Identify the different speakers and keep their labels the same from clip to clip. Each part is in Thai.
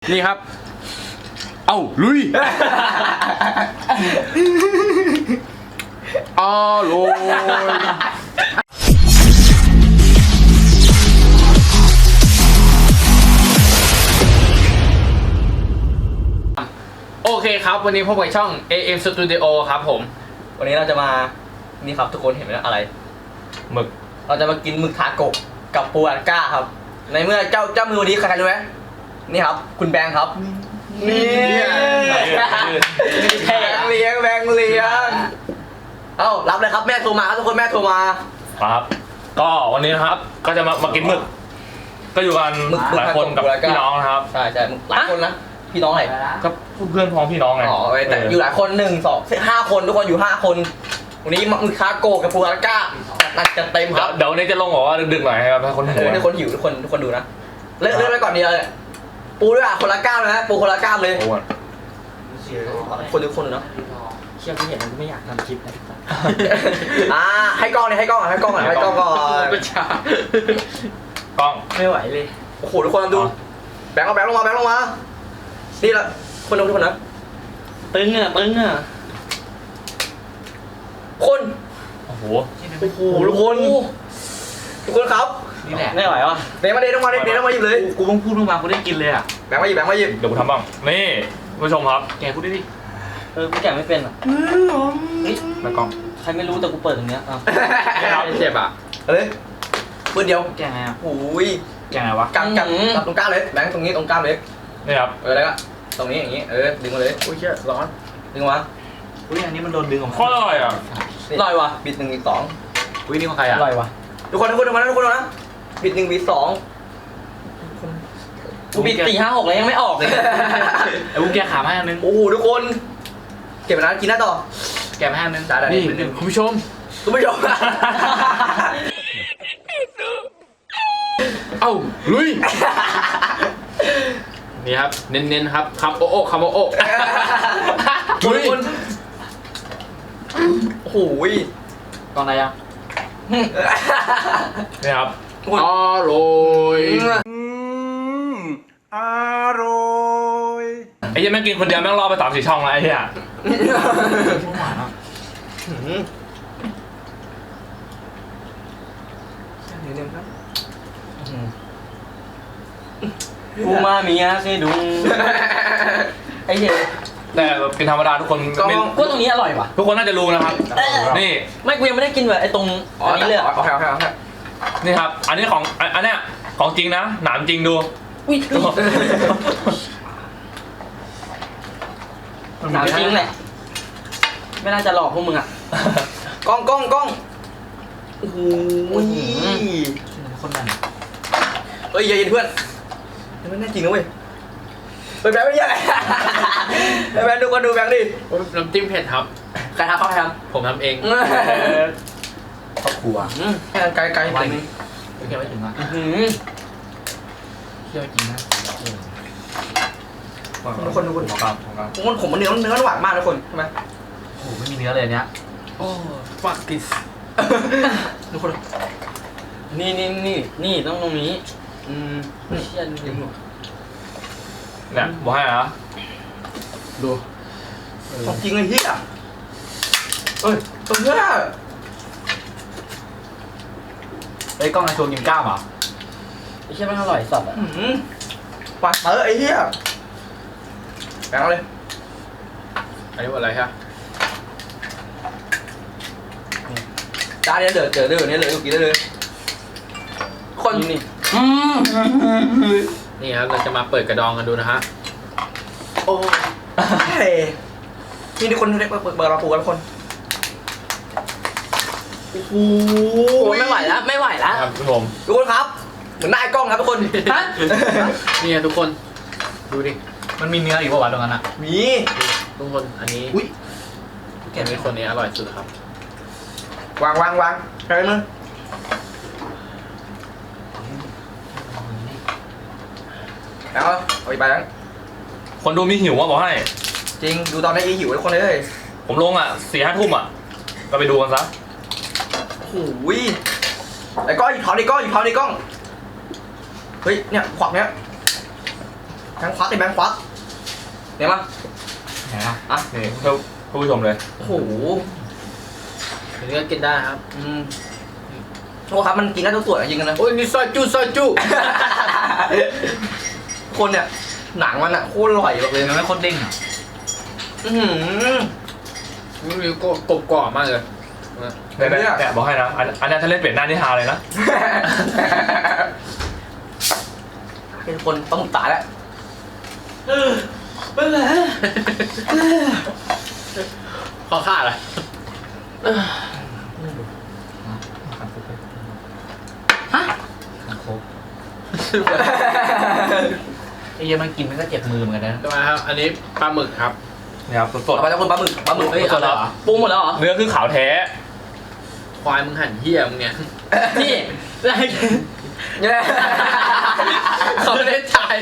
Speaker 1: นี่ครับเอ้าลุยอร่อยโอเคครับวันนี้พบกับช่อง AM Studio ครับผม
Speaker 2: วันนี้เราจะมานี่ครับทุกคนเห็นไหมอะไรหมึกเราจะมากินหมึกทาโกะกับปูอัดก้าครับในเมื่อเจ้ามือวันนี้ใครรู้ไหมนี่ครับคุณแบงค์ครับนี่แบงค์เลี้ยงเอ้ารับเลยครับแม่โทรมาครับทุกคนแม่โทรมา
Speaker 3: ครับก็วันนี้นะครับก็จะมากินหมึกก็อยู่กันหลายคนกับพี่น้องนะครับ
Speaker 2: ใช่หมึกหลายคนนะพี่น้องไหน
Speaker 3: ก็เพื่อนพ้องพี่น้องไง
Speaker 2: อ๋อแต่อยู่หลายคน1 2 5คนทุกคนอยู่5คนวันนี้หมึกทาโกะกับปูอัดก้านัดจะเต็มครับ
Speaker 3: เดี๋ยววันนี้จะลงบอกว่าดึกๆหน่อยครับให้คนหิว
Speaker 2: ให้คนหิวทุกคนดูนะเลือกไปก่อนดีเลยปูด้วยอ่ะคนละก้ามนะปูคนละก้ามเลยคนทุกคนเนาะ
Speaker 1: เชื่อที่เห็นมันไม่อยากทำคลิปนะ
Speaker 2: ให้กล้องก่อนให้กล้องก่อน
Speaker 1: ก็ช้
Speaker 3: กล้อง
Speaker 1: ไม่ไหวเลย
Speaker 2: โอ้โหทุกคนดูแบงค์ลงมานี่ละคนทุกคนนะ
Speaker 1: ตึงอ่ะ
Speaker 2: คน
Speaker 3: โอ้โห
Speaker 2: ทุกคนครับ
Speaker 1: นี่แหละไม่ไหววะ
Speaker 2: เดี๋ยวต้องมาหยิบเลย
Speaker 1: กูต้องพูดมากูได้กินเลยอ่ะ
Speaker 2: แบงค์มาหยิบ
Speaker 3: เดี๋ยวกูทำบ้างนี่ผู้ชมครับ
Speaker 1: แกพูดดิกูแกไม่เป็นอ่ะ
Speaker 3: แล้วกล้อง
Speaker 1: ใครไม่รู้แต่กูเปิดตรงเนี้ย
Speaker 3: เจ็บอ่ะ
Speaker 2: เลยปืนเดียว
Speaker 1: แกไงอ่ะ
Speaker 2: โอ้ย
Speaker 1: แกไงวะ
Speaker 2: กับตรงก้ามเลยแบงค์ตรงนี้ตรงก้ามเลย
Speaker 3: นี่ครับ
Speaker 2: แล้วก็ตรงนี้อย่างนี้ดึงมาเลย
Speaker 1: อุ้ยเชี่ยร้อน
Speaker 2: ดึงมา
Speaker 1: อุ้ยอันนี้มันโดนดึงออกมา
Speaker 3: โคตรอร่อยอ่ะ
Speaker 2: อร่อยว่ะบิด1 บิด 2
Speaker 1: อุ้ยนี่ของใครอ่ะ
Speaker 2: อร่อยว่ะทุกคนนะบิด1 บิด 2กูบิด4 5 6เลยยังไม่ออกเลย
Speaker 1: ไอ้กูแกขามาอันนึง
Speaker 2: โอ้โหทุกคนเก็บไปนะกินหน้าต่อ
Speaker 1: แกมาอันนึง
Speaker 2: นี่
Speaker 1: คุณผู้ชม
Speaker 3: เอ้าลุยนี่ครับเน้นๆครับคำโอ้คำโอ้
Speaker 2: ทุกคนโอ้โห
Speaker 1: กองอะไรอ่ะ
Speaker 3: นี่ครับ
Speaker 1: อร่อย
Speaker 3: ไอ้ยังไม่กินคนเดียวแม่งรอไป3-4 ช่องแล้วไอ้เหี้ย
Speaker 1: กูมาเมียเซดุงไอ้เหี้ย
Speaker 3: แต่เป็นธรรมดาทุกคน
Speaker 1: ก็ตรงนี้อร่อยว่ะ
Speaker 3: ทุกคนน่าจะรู้นะครับนี่
Speaker 1: ไม่กูยังไม่ได้กินแบบไอ้ตรงอันนี้เลย
Speaker 3: นี่ครับอันนี้ของอันเนี้ยของจริงนะหนามจริงดู
Speaker 1: อุ้ยหนามจริงแหละไม่น่าจะหลอกพวกมึงอ่ะ
Speaker 2: กล้องโอ้โห
Speaker 1: คนนั้น
Speaker 2: อย่าเย็นเพื่อนมันน่าจริงนะเว้ยแบงค์ไม่ใช่แบงค์ดูกันดูแบงค์ดิ
Speaker 3: น้ำจิ้มเผ็ดครับ
Speaker 2: ใครทำ
Speaker 3: ผมทำเอง
Speaker 1: ครอบครัว
Speaker 2: ไกล
Speaker 1: ไปนึงแค่ไม่ถึงอ่ะเชื่อจริงนะ
Speaker 2: ทุกคน
Speaker 3: ครับ
Speaker 2: ผมมันเนื้อหวานมากทุกคนใช่ไหม
Speaker 1: โอ้ไม่มีเนื้อเลยเนี้ย
Speaker 3: โอ้ฟักกิส
Speaker 2: ทุกคน
Speaker 1: นี่ต้องตรงนี้เชี่ยจริง
Speaker 3: เนี่ยบอกให้นะ
Speaker 1: ดู
Speaker 2: ของจริงเลยเฮียตัวเนี้ย
Speaker 1: ไอ้กล้องในโชว์กิมก้ามอ่ะไอ้เชี่ยมันอร่อยสัตว์อ่ะ
Speaker 2: ปากไอ้เฮียแบงค์เลย
Speaker 3: อันนี้ว่าอะไรฮะ
Speaker 2: จานนี้เดือดเนี่ยเลยกินได้เลยคน
Speaker 1: นี่
Speaker 3: นี่ครับเราจะมาเปิดกระดองกันดูนะฮะ
Speaker 2: โอ้นี่ทุกคนเปิดเราปูกันทุกคนโอ้โหไม่ไหวแล้ว
Speaker 3: ครับทุกคน
Speaker 2: ทุกคนครับเหมือนหน้ากล้องครับทุกคนฮะ
Speaker 3: นี่ทุกคนดูดิ
Speaker 1: มันมีเนื้ออีกป่าวตรงนั้นอ่ะ
Speaker 2: มี
Speaker 3: ทุกคนอันนี้แกมีคนนี้อร่อยสุดครับ
Speaker 2: วางใครมึงเอาไปแล้ว
Speaker 3: คนดูมีหิวว่าบอกให้
Speaker 2: จริงดูตอนนี้หิวทุกคนเลย
Speaker 3: ผมลงอ่ะ4-5 ทุ่มอ่ะก็ไปดูกันซะ
Speaker 2: โอ้ยไอ้ก้อนหยิบเท้าในกล้องเฮ้ยเนี่ยขวักเนี้ยแบงค์ควักดิแบงค์ควักเดี๋ยวมา
Speaker 1: ไหนอ่ะ
Speaker 2: อ่ะ
Speaker 3: นี่เพื่อผู้ชมเลย
Speaker 2: โอ้โห
Speaker 1: อันนี้ก็กินได้ครับ
Speaker 2: โอ้ครับมันกินได้ทุกส่วนจริงๆนะ
Speaker 1: โอ้ยนี่ซอยจุ
Speaker 2: คนเนี่ยหนังมันอะโคตรอร่อยเลย
Speaker 1: มันไม่โคตรเด้งอ่ะ
Speaker 2: อื้อหือ
Speaker 1: นี่ก็กรอบกรอบมากเลย
Speaker 3: เนี่ยบอกให้นะอันนี้ถ้าเล่นเป็ดหน้านี่ฮาเลยนะ
Speaker 2: เป็นคนปลาหมึกตายแล้ว
Speaker 1: ขอค่าอะไรฮะโคกไอ้เหี้ยมันกินมันก็เจ็บมือเหมือนกันนะ
Speaker 4: ทำไมครับ อันนี้ปลาหมึกครับ
Speaker 3: นี่ครับสด
Speaker 2: ต่อไปจะคนปลาหมึกเฮ้ย
Speaker 1: สดเหรอ
Speaker 2: ปรุงหมดแล้วเหรอ
Speaker 3: ๆเนื้อคือขาวแท้
Speaker 4: ควายมึงหั่นเหี้ยมึงเนี่ย
Speaker 1: นี่
Speaker 2: เนี่ย
Speaker 4: เขาไม่ได้จ่าย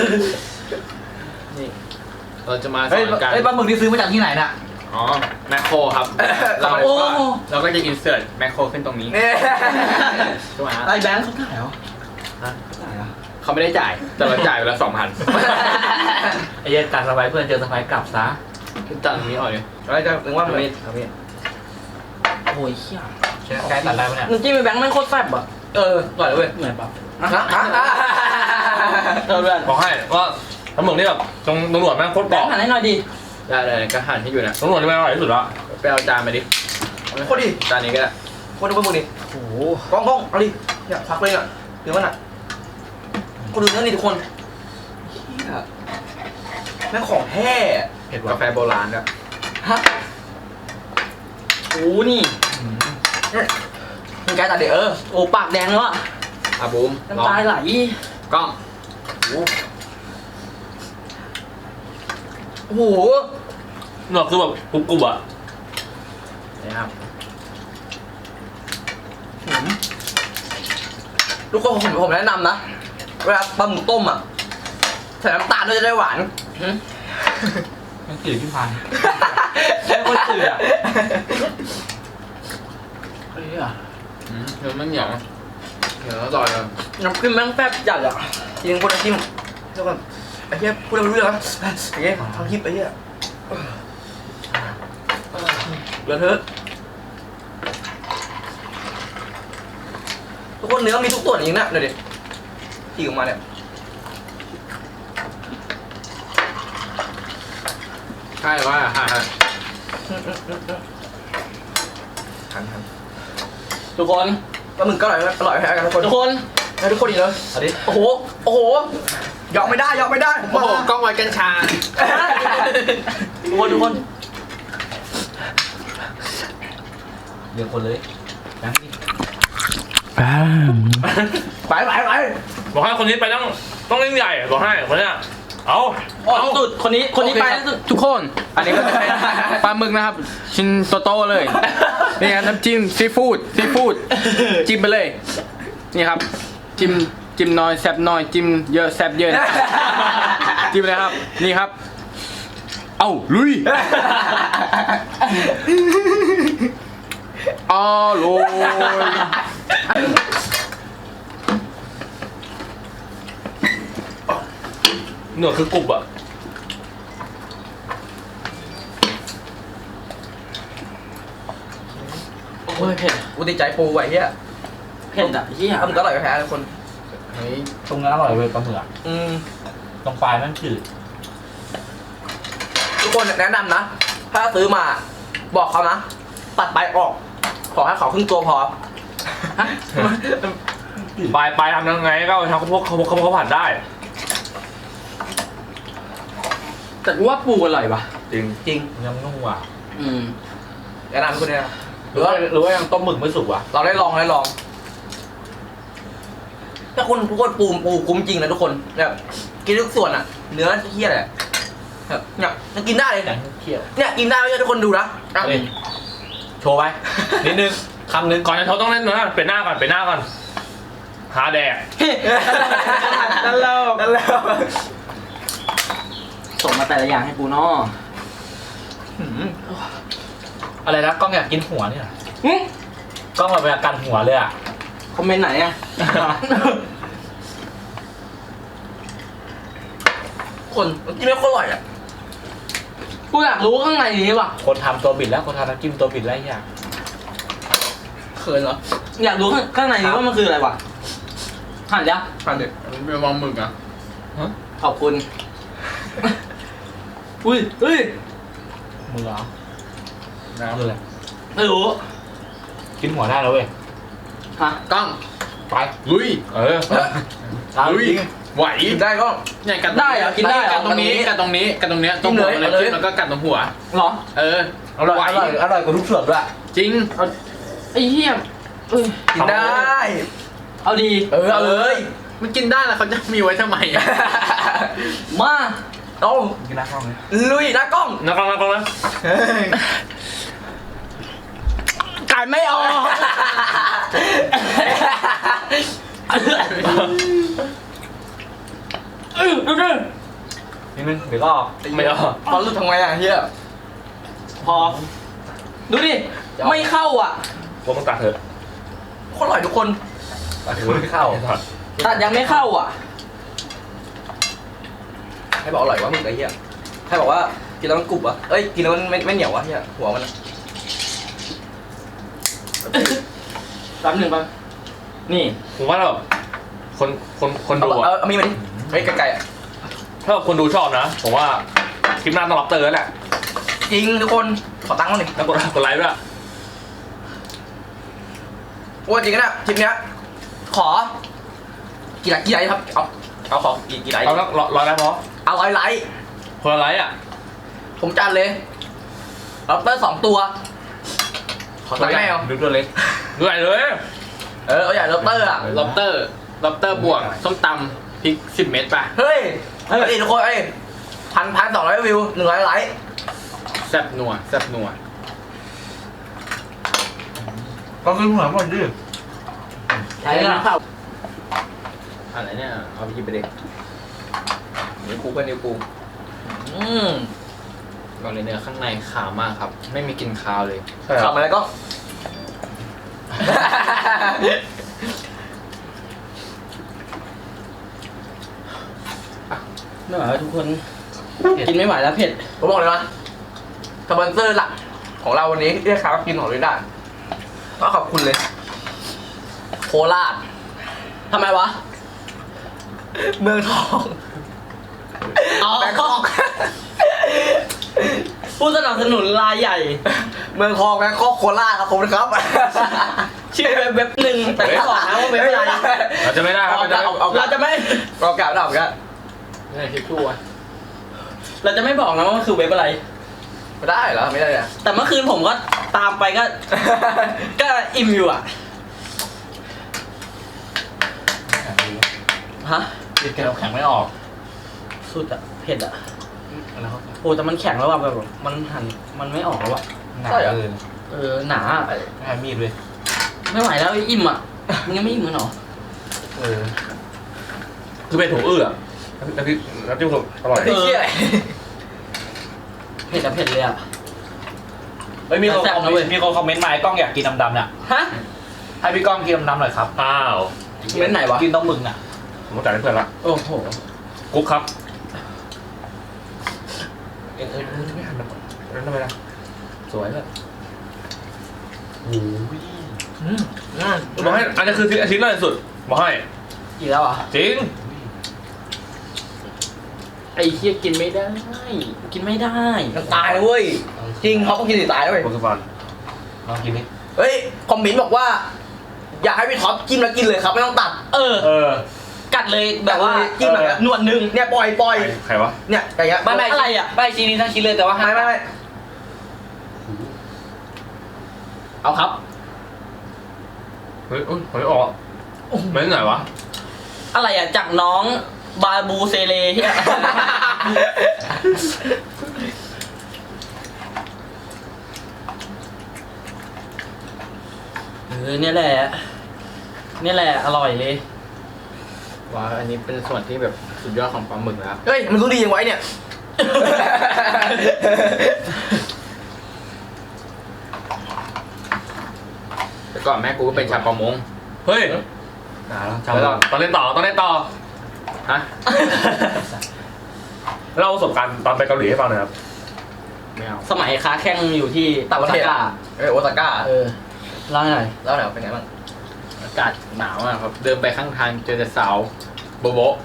Speaker 4: นี่เราจะมาส
Speaker 1: เฮ้ย
Speaker 4: อนกัน
Speaker 1: เฮ้ยปลาหมึกที่ซื้อมาจากที่ไหนน่ะ
Speaker 4: อ๋อ แมคโครครับ เรา
Speaker 1: โอ้
Speaker 4: เราก็จะอินเสิร์ตแมคโครขึ้นตรงนี้
Speaker 2: เนี่ย
Speaker 4: ใช่ไหมฮะ
Speaker 1: ไอ้แบงค์เขาถ่ายเหรอฮะเขาถ่ายเหรอ
Speaker 4: เขาไม่ได้จ่าย แต่เราจ่ายไปแล้ว2,000
Speaker 1: ไอ้เหี้ยตัดสบายเพื่อนเจอสบายกลับซะ
Speaker 4: ตัดตรงนี้ออกเลย
Speaker 2: เราจะถึงว่า
Speaker 4: เอา
Speaker 2: มัน
Speaker 4: มีดเอามีด
Speaker 1: โอ้ยเหี้ยใช้ใช้ตัดได้ปะเนี่ย
Speaker 2: น้ำจิ้มแบงค์มันโคตรแซ่บอ่ะอร่อยเลยเว้ย
Speaker 1: เหมือนปะ
Speaker 2: เพื่อน
Speaker 3: บอกให้ว่าปลาหมึกนี่แบบตรงหนวดแม่งโคตร
Speaker 2: แบ
Speaker 3: กรง อบ
Speaker 2: ค์หันให้หน่อยดิ
Speaker 4: ได้ก็หั่นให้อยู่นะ
Speaker 3: ตรงหนวดนี่แม่งอร่อยที่สุดละ
Speaker 4: ไปเอาจานมาดิ
Speaker 2: โคตรดี
Speaker 4: จานนี้ก็ได้
Speaker 2: โคตรดูปลาหมึกดิ
Speaker 1: โอ้โห
Speaker 2: กล้องเอาดิเนี่ยพักเลยอ่ะเดี๋ยวมันอ่ะคนดูเนื้อนี่ทุกคนเหี้ยแม่งของแท้
Speaker 1: เผ็ด
Speaker 4: กา
Speaker 1: ว่ะ
Speaker 4: แฟโบราณด้วย
Speaker 2: ฮะโอ้นี่มึงแกตัดเดี๋ยวโอ้ปากแดงแล้วอะ
Speaker 4: อ่ะบูมลอ
Speaker 2: น้ำตาง ไหล
Speaker 4: กล้อง
Speaker 2: โอ้โห
Speaker 3: หนวดคือแบบกรุบๆอ่ะ
Speaker 4: นะครับ
Speaker 2: ทุกคนผมแนะนำนะ เวลาปลาหมึกต้มอ่ะใส่น้ำตาลด้วยจะได้หวาน
Speaker 1: มันจืดที่พันแค่คนจืดอ่ะเฮ้ยอ่ะ
Speaker 4: เดี๋ยวมันเหนียวอร่อยเลย
Speaker 2: น้ำจิ้มแม่งแซ่บจัดอ่ะจริงคนน้ำจิ้มเดี๋ยวก่อนไอ้เหี้ยพูดอะไรไม่รู้เรื่องนะไอ้เหี้ยทำคลิปไอ้เหี้ยเหลือเถอะทุกคนเนื้อมีทุกส่วนจริงนะเดี๋ยวดิที่ออกมาเนี่ย
Speaker 4: ใช่ว่าฮะ
Speaker 2: หันทุกคนปลาหมึกก็อร่อยกันทุกคนทุกคนอีกเลย
Speaker 1: เอาดิ
Speaker 2: โอ้โหยอมไม่ได้ผม
Speaker 4: โอ้โห
Speaker 2: มาก
Speaker 4: ล้องไว้กัญชา
Speaker 2: ทุกคน
Speaker 1: เดี๋ยวคนเลยแบงค์ดิ
Speaker 2: ไป
Speaker 3: บอกให้คนนี้ไปต้องเล่นใหญ่บอกให้คนเนี้ยเอา
Speaker 2: สุดคนนี้ไปสุด
Speaker 4: ทุกคน อันนี้ก็จะเป็นปลาหมึกนะครับ ชิ้นโตๆเลย นี่ครับน้ำจิ้มซีฟู้ดจิ้มไปเลย นี่ครับ จิ้มน้อยแซ่บน้อยจิ้มเยอะแซ่บเยอะนะ จิ้มเลยครับ นี่ครับ เอ้าลุยอ๋อโรย
Speaker 3: หนวดคือกรุบอ่ะ
Speaker 1: โอ้ยเผ็ด
Speaker 2: กูติดใจปูไว้เฮีย
Speaker 1: เผ็ดอ่ะเหี้ย
Speaker 2: ปลาหมึกอร่อยแพ้ทุกคน
Speaker 1: เฮ้ยตรงนั้นอร่อยเว้ยปลาหมึกอ่ะ ตรงปลายมันจืด
Speaker 2: ทุกคนแนะนำนะ ถ้าซื้อมาบอกเขานะ ตัดใบออก ขอให้เขาครึ่งตัวพอ
Speaker 3: ปลายทำยังไงก็เอาทำพวกเขาผัดได้
Speaker 1: แต่กูว่าปูอร่อยป่ะ
Speaker 3: จริง
Speaker 2: จริง
Speaker 1: ยังนุ่มว่ะ
Speaker 2: แนะนำทุกคนเนี่ยนะ
Speaker 1: หรือว่ายังต้มหมึกไม่สุกว่ะ
Speaker 2: เราได้ลองถ้าคนทุกคนปูคุ้มจริงนะทุกคนแบบกินทุกส่วนอ่ะ เนื้อเที่ยเลยแบบเนี่ยมันกินได้เลย
Speaker 1: แบงค์เคี่ยว
Speaker 2: เนี่ยกินได้ไม่ใช่ทุกคนดูนะ
Speaker 1: เฮ้ยโชว์ไป นิดนึงคำนึง
Speaker 3: ก่อนจะเขาต้องเล่นนะเป็นหน้าก่อนหาแดก
Speaker 2: นั่นแล้ว
Speaker 1: ส่งมาแต่ละอย่างให้กูเนาะอะไรนะกล้องอยากกินหัวเนี่ยเหรอกล้องแบบอยากกันหัวเลยอ่ะ
Speaker 2: คอมเมนต์ไหนอ่ะคนน้ำจิ้มไม่โคตรอร่อยอ่ะ
Speaker 4: กูอยากรู้ข้างในนี้ว่ะ
Speaker 1: คนทำตัวบิดแล้วคนทำน้ำจิ้มตัวบิดแล้วอย่าง
Speaker 2: เขินเหรอ
Speaker 4: อยากรู้ข้างในนี้ว่ามันคืออะไรวะหันยัง
Speaker 3: ผ่านเด็กเป็นวางหมึกอ่ะ
Speaker 4: ขอบคุณ อุ้ยเฮ้ย
Speaker 1: มือเหรอ
Speaker 3: น้ำ
Speaker 1: มืออะไร
Speaker 4: ไม่รู้
Speaker 1: กินหัวได้แล้วเว้ย
Speaker 4: ฮะ
Speaker 3: กล้อง
Speaker 1: ไป
Speaker 3: ลุย
Speaker 1: ตาม
Speaker 3: ลุย
Speaker 1: จริง
Speaker 3: ไหว
Speaker 2: กินได้ก็
Speaker 4: เนี่ยกัดได้เหรอกินได้เหรอ
Speaker 3: กัดตรงนี้กัดตรงนี้กัดตรงเนี้ยตรงหัวเลยจิ้มแล้วก็กัดตรงหัว
Speaker 4: เหรอ
Speaker 3: เออ
Speaker 1: อร่อยอร่อยอร่อยกว่าทุกส่วนด้วย
Speaker 3: จริง
Speaker 4: ไอ้เหี้ยเอ้ย
Speaker 2: กินได้
Speaker 4: เอาดี
Speaker 2: เอาเลย
Speaker 3: มันกินได้แล้วเขาจะมีไว้ทำไมอ่ะ
Speaker 4: มา
Speaker 2: เอา
Speaker 1: กินน้ำข้าวไหม
Speaker 2: ลุยหน้ากล้อง
Speaker 3: นักกล้องนะ
Speaker 4: ไก่ไม่ออกดูดิ
Speaker 1: นิดนึงเดี๋ยวก็ออก
Speaker 3: ไม่เอา
Speaker 2: พอรู้ทำไงอ่ะเฮีย
Speaker 4: พอ ดูดิ ไม่เข้าอ่ะ
Speaker 3: ว่ามึงตัดเถอะ
Speaker 2: โคตรอร่อยทุกคน
Speaker 1: ถือไม่เข้า
Speaker 4: ตัดยังไม่เข้าอ่ะ
Speaker 2: ให้บอกอร่อยวะมึงไอ้เฮียให้บอกว่ากินแล้วมันกรุบวะเอ้ยกินแล้วมันไม่เหนียววะเฮียหัวมันอะ
Speaker 4: แป๊บหนึ่งแป๊บนี่
Speaker 3: ผมว่าเราคนดู
Speaker 2: เอามีมาดิเฮ้ยไก่ๆอ่ะ
Speaker 3: ถ้าคนดูชอบนะ ผมว่าคลิปหน้าต้องรับเตอร์แล้วแหละ
Speaker 2: จริงทุกคนขอตังค์มาหนึ่ง
Speaker 3: แล้วกดไลค์ด้วย
Speaker 2: ว่าจริงนะคลิปเนี้ยขอกี่ไลค์ครับเอาขอกี่ไลค์
Speaker 3: เอาแล้วร้อยไลค์พอ
Speaker 2: เอา100 ไลค์
Speaker 3: คนละไลค์อ่ะ
Speaker 2: ผมจัดเลยล็อบสเตอร์2 ตัวขอตังค์ไม่เอา
Speaker 1: ดูตัวเล็ก
Speaker 3: ด้วยเลย
Speaker 2: เอาใหญ่ล็อบสเตอร์อ่ะ
Speaker 3: ล็อบเตอร์บวกส้มตำพริก10 เม็ดป่ะ
Speaker 2: เฮ้ยทุกคน1,200 วิว100 ไลค์
Speaker 3: แซ่บนัวแซ่บนัว
Speaker 1: ก็คือหัวหมดดิ
Speaker 4: ใช่แล้วครับ
Speaker 3: อะไรเนี่ยเอาไปหยิบไปเด็ก
Speaker 2: นิ้วกูเพื่อนนิ้วกู
Speaker 3: ก่อนเลยเนี่ยข้างในขาวมากครับ ไม่มีกลิ่นคาวเลย
Speaker 2: ขับมาแล้วก็
Speaker 4: ไม่ไหวแล้วทุกคน กินไม่ไหวแล้วเผ็ด
Speaker 2: ผมบอกเลยนะสปอนเซอร์หลักของเราวันนี้ที่ได้ข่าวว่ากินของลิด้าก็ขอบคุณเลย โคราช
Speaker 4: ทำไมวะ
Speaker 2: เมืองทอง
Speaker 4: อ๋อ
Speaker 2: แบงคอก
Speaker 4: ผู้สนับสนุนรายใหญ่
Speaker 2: เมืองทองแบงคอกโคราชครับผมนะครับ
Speaker 4: ชื่อเว็บหนึ่งแต่ไม่บอกนะว่าเว็บอะไร
Speaker 3: เราจะไม่ได้ครับ
Speaker 4: เราจะไม่
Speaker 2: เรากล่าวได้เหมือนกัน
Speaker 3: นี่ทิชชู่อ่ะ
Speaker 4: เราจะไม่บอกนะว่ามันคือเว็บอะไร
Speaker 2: ไม่ได้เหรอไม่ได้เลย
Speaker 4: แต่เมื่อคืนผมก็ตามไปก็ ก็อิ่มอยู่อ่ะ ฮะ
Speaker 1: กินแกงแข็งไม่ออก
Speaker 4: สุดอ่ะ เผ็ดอ่ะ
Speaker 1: แล้วเขา
Speaker 4: โอ้แต่มันแข็งแล้วว่ะแบบมันหั่นมันไม่ออกแล้วอ่ะ
Speaker 1: หนาเลย
Speaker 4: หนาอะ
Speaker 1: ไม่ให้มีดเลย
Speaker 4: ไม่ไหวแล้วอิ่มอ่ะมึงยังไม่อิ่มกันหรอ
Speaker 3: คือเป็นถุงอื้ออ่ะน้ำจิ้มสุกอร่อย
Speaker 2: ไอ้เหี้ย
Speaker 4: เผ็ดอะเผ็ดเลยอ่ะ
Speaker 1: เฮ้ยมีคน
Speaker 4: แซ่บ
Speaker 1: คอม
Speaker 4: นะเว้
Speaker 1: เม
Speaker 4: ย
Speaker 1: นต์มีคนคอมเมนต์มาไอ้กล้องอยากกินดำๆเนี่ย
Speaker 4: ฮะ
Speaker 1: ให้พี่กล้องกินดำๆหน่อยครับ
Speaker 3: อ้าว
Speaker 4: เม้นไหนวะ
Speaker 1: กินต้องมึงอ่ะ
Speaker 3: ผมต้องจ่ายให้เพื่อนละ
Speaker 4: โอ้โห
Speaker 3: กุ๊กครับ
Speaker 1: ไม่หันมา
Speaker 3: นั่นทำไมล่ะ
Speaker 1: สวยเลยโอ้ย
Speaker 3: บอกให้อันนี้คือชิ้นล่าสุดบอกให้
Speaker 4: อีกแล้วเหรอ่ะ
Speaker 3: จริง
Speaker 4: ไอ้เคี้ยกินไม่ได้ กินไม่ได้
Speaker 2: มันตายเลยเว้ยจริงเขาต้องกินสิตายเลย
Speaker 3: โปรตุเกส
Speaker 1: ลองกินดิ
Speaker 2: เฮ้ยคอมเมนต์บอกว่า อยากให้พี่ท็อปจิ้มแล้วกินเลยครับไม่ต้องตัด
Speaker 4: เออ กัดเลยแบบว่า
Speaker 2: จิ้มแบบ
Speaker 4: หนวดหนึ่ง
Speaker 2: เนี่ยปล่อย
Speaker 3: ใครวะ
Speaker 2: เนี่ยอย่างเงี้ย
Speaker 4: ไม่อะไรอ่ะ
Speaker 1: ไม่ชิ้นนี้ทั้งชิ้นเลยแต่ว่า
Speaker 2: ไม่
Speaker 4: เอาครับ
Speaker 3: เฮ้ยอุ้ยหอยออกไม่ไหนวะ
Speaker 4: อะไรอ่ะจากน้องบาบูเซเลเฮียเนี่ยแหละอร่อยเลย
Speaker 3: ว้าอันนี้เป็นส่วนที่แบบสุดยอดของปลาหมึกแล้ว
Speaker 2: เฮ้ยมันรู้ดียังไงเนี่ย
Speaker 3: แต่ก่อนแม่กูก็เป็นชาวประมงเฮ้ย
Speaker 1: หนาแล้ว
Speaker 3: ต้องเล่นต่อฮะเล่าประสบการณ์ตอนไปเกาหลีให้ฟังหน่อยครับ
Speaker 4: ไม่เอา
Speaker 2: สมัยค้าแข่งอยู่ที่
Speaker 1: ต่างประเทศ
Speaker 2: โอซาก้า
Speaker 1: โอซาก้า
Speaker 2: เล่าหน่อย
Speaker 1: แล้วไหนเป็นไงบ้าง
Speaker 4: อากาศหนาวมากครับ เดินไปข้างทางเจอแต่สาวโบโบะ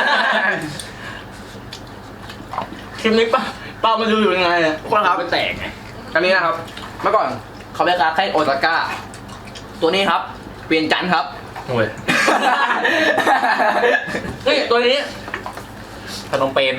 Speaker 2: คลิปนี้ป้ามาดูอยู่ยังไงเนี่ย
Speaker 4: คนครับไม่แตกไง
Speaker 2: อันนี้นะครับ เมื่อก่อนเขาเรียกค้าแข่งโอซาก้า ตัวนี้ครับ เปลี่ยนจันทร์ครับ
Speaker 3: โอ้ย
Speaker 2: นี่ตัวนี้
Speaker 1: พนมเปญ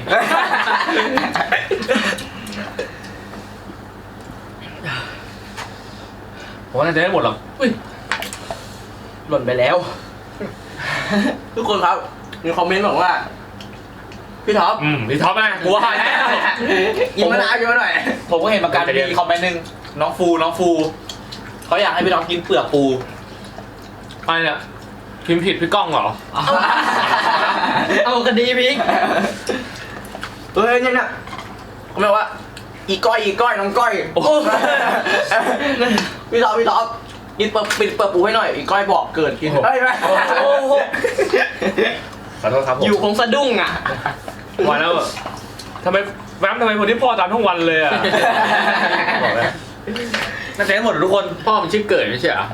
Speaker 3: ผมว่าน่าจะได้หมดหรอก
Speaker 2: หล่นไปแล้ว ทุกคนครับ มีคอมเมนต์บอกว่า พี่ท็อป
Speaker 3: พี่ท็อปนะกูว่าแล้ว
Speaker 2: กินมะนาวกินมาหน่อย
Speaker 1: ผมก็เห็นเหมือนกันมีคอมเมนต์หนึงน้องฟูเขาอยากให้พี่น้องกินเปลือกปู
Speaker 3: อะไรเนี่ยพิมพ์ผิดพี่ก้องเหรอ
Speaker 2: เอาคดีพิกเฮ้ยเนี่ยเขาบอกว่า อีก้อยน้องก้อยพี่ท็อปกินปิดเปิดปูให้หน่อย อีก้อยบอกเกิดกิน
Speaker 3: โอ้โห
Speaker 2: เฮ้ยไม่
Speaker 3: ขอโทษครับผม
Speaker 2: อยู่คงสะดุ้งอ่ะ
Speaker 3: วันแล้วทำไมคนที่พ่อตามทั้งวันเลยอ่ะบอกเลยน่าจะได้หมดทุกคน
Speaker 4: พ่อมันชื่อเกิดไม่ใช่เหรอ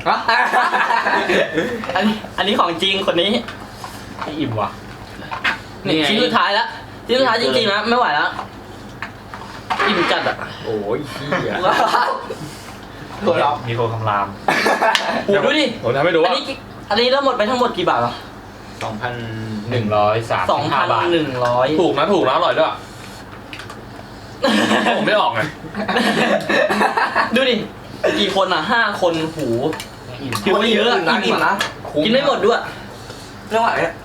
Speaker 2: อันนี้ของจริงคนนี้
Speaker 1: ไม่อิ่มว่ะ
Speaker 2: นี่ชิ้นสุดท้ายแล้วชิ้นสุดท้ายจริงๆนะไม่ไหวแล้วอิ่มจัดอ่ะ
Speaker 4: โอ้ยเหี้ย
Speaker 2: ตัวเรา
Speaker 1: มีคนคำราม
Speaker 2: โอ้ดูดิ
Speaker 3: ผมทำให้ดูว่า
Speaker 2: อันนี้เราหมดไปทั้งหมดกี่บาทอ่ะ
Speaker 1: 235 บาท
Speaker 2: 2,100
Speaker 3: ถูกนะอร่อยด้วยผมไม่ออกไง
Speaker 2: ดูดิกี่คนอ่ะ5 คนหูถือว่าเยอะอะอิ่มนะกินไม่หมดด้วยไม่ไหวอะ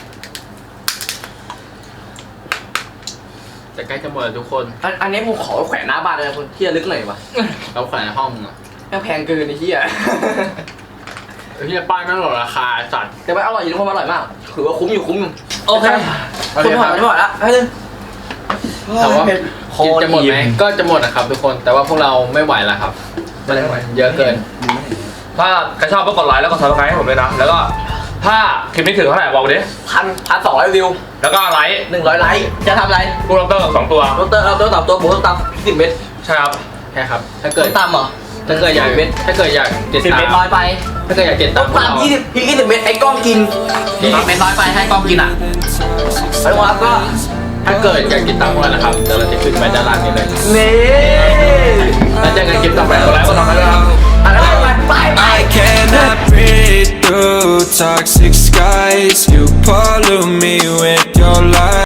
Speaker 4: จะใกล้จะหมดแล้วทุกคน
Speaker 2: อันนี้ผมขอแขวนหน้าบ้านเลยนะคุณที่ระลึกหน่อยวะ
Speaker 4: เราแขวนในห้องอ่ะ
Speaker 2: แม่งแพงเกินไอ้เหี้ย
Speaker 4: ที่ป้ายไม่หลดราคาสัตว์
Speaker 2: แต่ว่าอร่อยอยู่ทุกคนอร่อยมากถือว่าคุ้มอยู่โอเค
Speaker 4: โอเค
Speaker 2: คุณผ่านไม่ไหวละให้เลย
Speaker 4: แต่ว่า
Speaker 2: คอ
Speaker 4: กินจะหมดไหม
Speaker 2: อิ่ม
Speaker 4: ก็จะหมดนะครับทุกคน แต่ว่าพวกเราไม่ไหวแล้วครับ มันเยอะเกิน
Speaker 3: ถ้าใครชอบก็กดไลค์แล้วก็ซับสไครต์ให้ผมด้วยนะแล้วก็ถ้าคลิปนี้ถึงเท่าไหร่บอกมาดิ
Speaker 2: 1,200 วิว
Speaker 3: แล้วก็ไลค์
Speaker 2: 100 ไลค์จะทำอะไร
Speaker 3: กูล็อกเตอร์2 ตัว
Speaker 2: เราตับตัวผมต้องตับ10 เม็ด
Speaker 3: ใช่ครับ
Speaker 4: ใช่ครับ ถ้า
Speaker 2: เกิ
Speaker 4: เกิด
Speaker 2: นตามเหรอ
Speaker 4: ถ้าเกิดอยากเจ็ด
Speaker 2: 10
Speaker 4: ตา
Speaker 2: เม็ด
Speaker 4: ม
Speaker 2: น้อยไป
Speaker 4: ถ้าเกิดอยากเจ็ด
Speaker 2: ต้
Speaker 4: ตา
Speaker 2: อ
Speaker 4: ม
Speaker 2: งตาม20 เม็ดไอ้กล้องกิน20 เม็ดน้อยไปให้กล้องกินอ่ะแล้วครับก็
Speaker 4: ถ้าเกิดอยากติดตามพวกเรานะครับเดี๋ยวเราจะขึ้นไว้ด้านล่างนี้เลย
Speaker 2: นี่
Speaker 4: แล้วเจอกันคลิปต่อไป
Speaker 3: กดไลค์กดซับสไครต์ด้วยครับ
Speaker 2: อะไรไป
Speaker 5: I cannot breathe through toxic skies. You pollute me with your lies.